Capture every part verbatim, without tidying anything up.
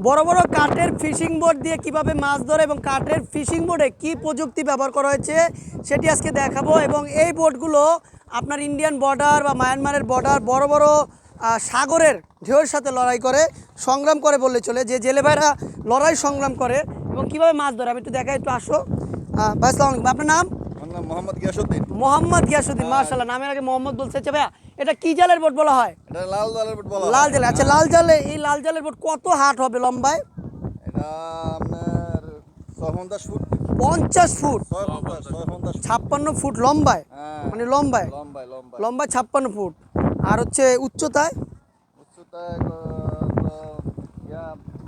বড় বড় কাঠের ফিশিং বোট দিয়ে কিভাবে মাছ ধরে এবং কাঠের ফিশিং বোটে কি প্রযুক্তি ব্যবহার করা হয়েছে সেটি আজকে দেখাবো। এবং এই বোটগুলো আপনার ইন্ডিয়ান বর্ডার বা মায়ানমারের বর্ডার বড় বড় আহ, সাগরের ঢেউয়ের সাথে লড়াই করে সংগ্রাম করে বললে চলে, যে জেলে ভাইরা লড়াই সংগ্রাম করে এবং কিভাবে মাছ ধরে আমি একটু দেখাই, একটু আসো। আহ, ভাই আসসালামু আলাইকুম, আপনার নাম? মোহাম্মদ গিয়াসউদ্দিন। মোহাম্মদ গিয়াসউদ্দিন, মাশাআল্লাহ, নামের আগে মোহাম্মদ বলছে। আচ্ছা ভাইয়া, এটা কি জালের বোট বলা হয়? এটা লাল জালের বোট বলা হয়। লাল জালে। আচ্ছা, লাল জালে, এই লাল জালের বোট কত হাট হবে লম্বায়? এটা আপনার ছয় পঞ্চাশ ফুট। পঞ্চাশ ফুট, ছয় পঞ্চাশ ছয় পঞ্চাশ ফুট। ছাপ্পান্ন ফুট লম্বায়, হ্যাঁ, মানে লম্বায় লম্বায় লম্বায় লম্বায় ছাপ্পান্ন ফুট। আর হচ্ছে উচ্চতায় উচ্চতায় তো ইয়া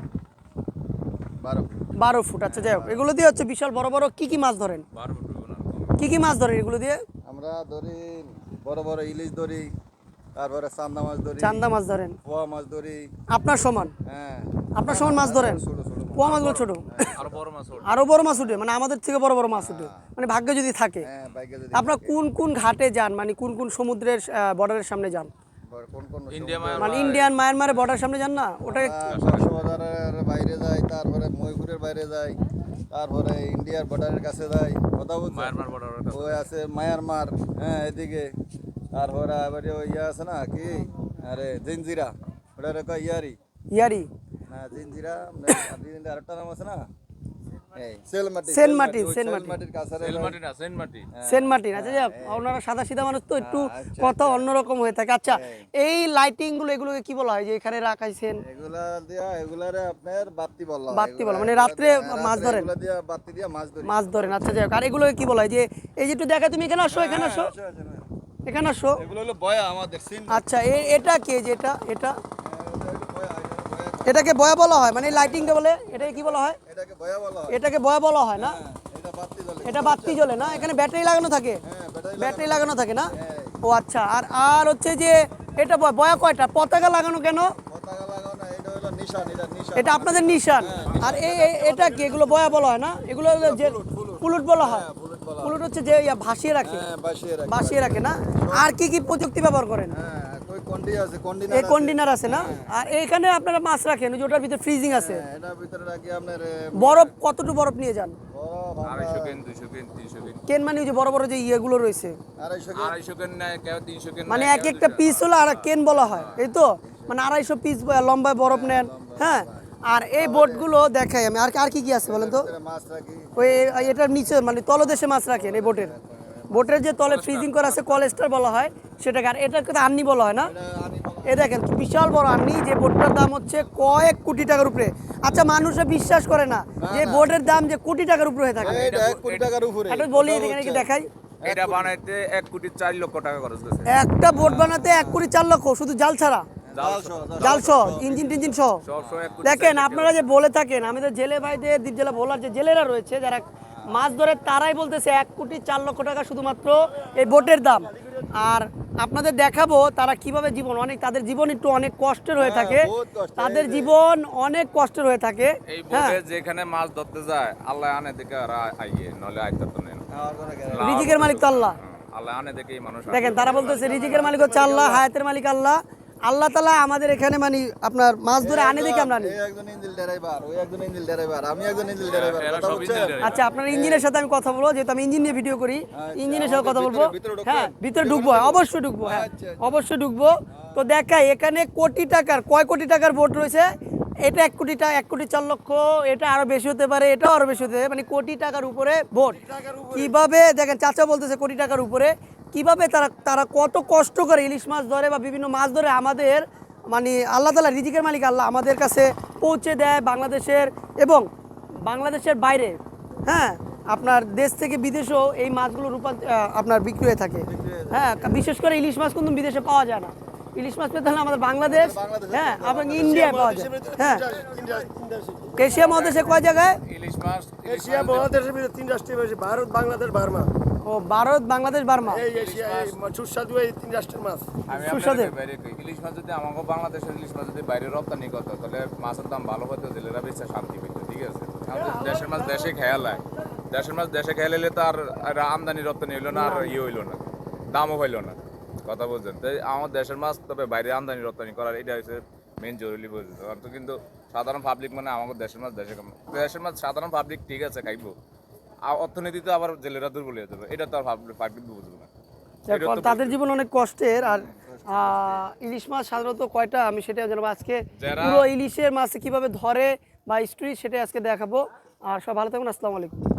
বারো ফুট। বারো ফুট। আচ্ছা যাই হোক, এগুলো দিয়ে হচ্ছে বিশাল বড় বড় কি কি মাছ ধরেন? কি কি মাছ ধরেন এগুলো দিয়ে? আমরা ধরি বড় বড় ইলিশ ধরি, তারপরে চান্দা মাছ ধরি, চান্দা মাছ ধরেন। পোয়া মাছ ধরি। আপনার সমান? হ্যাঁ, আপনার সমান মাছ ধরেন? ছোট ছোট মাছ। পোয়া মাছগুলো ছোট, আরো বড় মাছ ওঠে। আরো বড় মাছ উঠে, মানে আমাদের থেকে বড় বড় মাছ উঠে, মানে ভাগ্য যদি থাকে। হ্যাঁ, বাইকে যদি আপনার কোন কোন ঘাটে যান, মানে কোন কোন সমুদ্রের বর্ডারের সামনে যান? বড়- কোন কোন ইন্ডিয়া সমুদ্র- মানে ইন্ডিয়ান মায়ানমারের বর্ডারের সামনে যান না ওটা? আমরা কক্সবাজারের বাইরে যাই, তারপরে ময়ূরের বাইরে যাই, তারপরে ইন্ডিয়ার বর্ডারের কাছে যাই। কথা বলছি, মায়ানমার বর্ডারের কাছে। ওই আছে মায়ানমার, হ্যাঁ এদিকে। তারপরে আবার ওই ইয়ে আছে না কি, আরে জিঞ্জিরা, ওটার কয় ইয়ারি ইয়ারি, না জিঞ্জিরা, জিঞ্জিরা আরেকটা নাম আছে না, এই সেলমাটি। সেন্ট মার্টিন, ওই সেন্ট মার্টিন। সেলমাটির কাছে সেল মাটি না, সেন্ট মাটি। Saint Martin. আচ্ছা যাক, ওনারা সাদা সিধা মানুষ তো একটু আচ্ছা, কথা আচ্ছা। অন্যরকম হয়ে থাকে। আচ্ছা, এই লাইটিং গুলো এগুলোকে কি বলা হয় যে এখানে রাখাইছেন? এগুলা দিয়া এগুলারে আপনার বাতি বলা হয়। বাতি বলা, এগুলা- মানে এগুলা রাত্রে দিয়া- মাছ রাত্রে ধরেন? এগুলা দিয়া বাতি দিয়া মাছ ধরি। মাছ ধরেন। আচ্ছা যাই হোক, আর এগুলোকে কি বলা হয় যে এই যে একটু দেখা, তুমি এখানে আসো, এখানে আসো, আচ্ছা, আচ্ছা, আচ্ছা। এখানে আসো। এগুলো হলো বয়া আমাদের সিন। আচ্ছা, এ- এটা কে, যে এটা এটা বয়া, বয়া, এটাকে বয়া বলা হয়, মানে লাইটিংটা বলে এটাকে কি বলা হয়? এটাকে বয়া বলা হয়। এটাকে বয়া বলা হয় না? হ্যাঁ, এটা বাতি জ্বলে। এটা বাতি জ্বলে না? এখানে ব্যাটারি লাগানো থাকে? হ্যাঁ, ব্যাটারি ব্যাটারি লাগানো থাকে না? হ্যাঁ। ও আচ্ছা। আর আর হচ্ছে যে এটা বয়া, বয়া কয়টা? পতাকা লাগানো কেন? পতাকা লাগানো না, এটা হলো নিশান, এটা নিশান। এটা আপনাদের নিশান। আর এই এই- এটা কি, এগুলো বয়া বলা হয় না? এগুলো হলো যে পুলুট বলা হয়। বুলেট বলা হয়। পুলুট হচ্ছে যে ইয়া ভাসিয়ে রাখে, হ্যাঁ, বাসিয়ে রাখে। ভাসিয়ে রাখে না? আর কি কি প্রযুক্তি ব্যবহার করেন? হ্যাঁ, কই কন্ডি আছে, কন্ডিনার এই আছে। কন্টেনার আছে না? আর এইখানে আপনারা মাছ রাখেন ওই যে ওটার ভিতরে ফ্রিজিং আছে। হ্যাঁ, এটার ভিতরে রাখি আপনার এ, বরফ কতটুকু বরফ নিয়ে যান? বরফ আমরা আড়াইশো কেন, দুইশো কেন, তিনশো কেন। কেন মানে ওই যে বড় বড় যে ইয়েগুলো রয়েছে, আড়াইশো কেজি। আড়াইশো কেন নেয়, কেউ তিনশো কেন মানে নেয়, এক কেউ একটা দুইশো। পিস হলো আর কেন বলা হয়, এই তো? মানে আড়াইশো পিস লম্বায় বরফ নেন, হ্যাঁ। আর এই বোটগুলো দেখাই আমি, আর আর কি কি আছে বলেন তো? ভিতরে মাছ রাখি। ওই এটার নিচে মানে তলদেশে মাছ রাখেন এই বোটের, বোটের যে তলে ফ্রিজিং করা আছে কলেস্টার বলা হয় সেটাকে। আর এটার কথা আন্নি বলা হয় না? এটা আনি বলা হয়। এ দেখেন কি বিশাল বড় আন্নি, যে বোটটার দাম হচ্ছে কয়েক কোটি টাকার উপরে। আচ্ছা, মানুষে বিশ্বাস করে না যে বোটের দাম যে কোটি টাকার উপরে হয়ে থাকে। এইটা এক কোটি টাকার উপরে। একটা বলি কথা এখানে কি হচ্ছে। দেখাই, এটা বানাইতে এক কোটি চার লক্ষ টাকা খরচ গেছে। একটা বোট বানাতে এক কোটি চার লক্ষ, শুধু জাল ছাড়া, জাল সহ, জাল জাল সহ, ইঞ্জিন টিঞ্জিন সহ। সবসময় এক কোটি দেখেন চার লক্ষ। আপনারা যে বলে থাকেন, আমাদের জেলে ভাইদের, দ্বীপ জেলা ভোলার যে জেলেরা রয়েছে যারা মাছ ধরে, তারাই বলতেছে এক কোটি চার লক্ষ টাকা শুধুমাত্র এই বোটের দাম। আর আপনাদের দেখাবো তারা কিভাবে জীবন, অনেক তাদের জীবন একটু অনেক কষ্টের হয়ে থাকে, হ্যাঁ, বহুত কষ্টের। তাদের এই যে- জীবন অনেক কষ্টের হয়ে থাকে। এই হ্যাঁ, বোটে যেখানে মাছ ধরতে যায়, আল্লাহ আনে দেখে আর আইয়ে, নলে আইতে তো নেন। খাওয়ার কোনো গ্যারান্টি রিজিকের মালিক তো আল্লাহ। আল্লাহ আনে দেখেই মানুষ আসে। দেখেন তারা বলতেছে রিজিকের মালিক হচ্ছে আল্লাহ, হায়াতের মালিক আল্লাহ। আল্লাহ তাআলা আমাদের এখানে মানে আপনার মাছ ধরে আনে দেখে আমরা আনি। এই একজন ইঞ্জিল ড্রাইভার, ওই একজন ইঞ্জিল ড্রাইভার, আমি একজন ইঞ্জিল ড্রাইভার। এরা কথা সব বুঝছেন? Engine driver. আচ্ছা, আপনার ইঞ্জিনের সাথে আমি কথা বলবো, যেহেতু আমি ইঞ্জিন নিয়ে ভিডিও করি, ইঞ্জিনের সাথে কথা আমাদের বলবো। ভিতরে- ভিতরে ঢুকবেন? হ্যাঁ, ভিতরে ঢুকবো, অবশ্যই ঢুকবো, হ্যাঁ আচ্ছা, অবশ্যই ঢুকবো। তো দেখাই এখানে কোটি টাকার, কয় কোটি টাকার বোট রয়েছে। এটা এক কোটি টাকা, এক কোটি চার লক্ষ, এটা আরো বেশি হতে পারে, এটাও আরো বেশি হতে পারে, মানে কোটি টাকার উপরে বোট। কিভাবে দেখেন, চাচা বলতেছে কোটি টাকার উপরে, কিভাবে তারা তারা কত কষ্ট করে ইলিশ মাছ ধরে বা বিভিন্ন মাছ ধরে আমাদের মানে আল্লাহ তাআলা, রিজিকের মালিক আল্লাহ আমাদের কাছে পৌঁছে দেয় বাংলাদেশের এবং বাংলাদেশের বাইরে, হ্যাঁ আপনার দেশ থেকে বিদেশেও এই মাছগুলো রূপান্তর আপনার বিক্রি হয়ে থাকে। হ্যাঁ, বিশেষ করে ইলিশ মাছ কিন্তু বিদেশে পাওয়া যায় না। ইলিশ মাছ পেতে হলে আমাদের বাংলাদেশ, হ্যাঁ এবং ইন্ডিয়ায় পাওয়া যায়। হ্যাঁ, এশিয়া মহাদেশে কয় জায়গায়? ইলিশ মাছ, ইলিশ এশিয়া মাছ মহাদেশের ভিতরে তিন রাষ্ট্রের বেশি, ভারত, বাংলাদেশ, বার্মা। ও, ভারত, বাংলাদেশ, বার্মা। এই এশিয়া এই সুস্বাদু এই তিন রাষ্ট্রের মাছ। আমি সুস্বাদু। আপনাদের বাইরে কই, ইলিশ মাছ যদি আমাকে বাংলাদেশের ইলিশ মাছ যদি বাইরে রপ্তানি করতো, তাহলে মাছের দাম ভালো হতো, জেলেরা বেশি শান্তি পেত। ঠিক আছে, আমাদের দেশের মাছ দেশে খেয়ালায়, দেশের মাছ দেশে খেয়ালে তো আর আর আমদানি রপ্তানি হইলো না, আর ইয়ে হইলো না, দামও হইলো না। কথা বলছেন, তাই আমার দেশের মাছ তবে বাইরে আমদানি রপ্তানি করার এটা হচ্ছে মেন জরুরি বুঝতে আর তো কিন্তু সাধারণ পাবলিক মানে আমাদের দেশের মাছ দেশে খাবো। দেশের মাছ সাধারণ পাবলিক ঠিক আছে খাইবো আর অর্থনীতিতে আবার জেলেরা দুর্বল হয়ে যাবে এটা তো আর পাবলিক বুঝবো না যাক, এটা তো তাদের জীবন অনেক কষ্টের। আর আহ, ইলিশ মাছ সাধারণত কয়টা আমি সেটা জানাবো আজকে। যারা- পুরো ইলিশের মাছ কিভাবে ধরে বা স্টোরি সেটাই আজকে দেখাবো। আর সব ভালো থাকুন, আসসালামু আলাইকুম।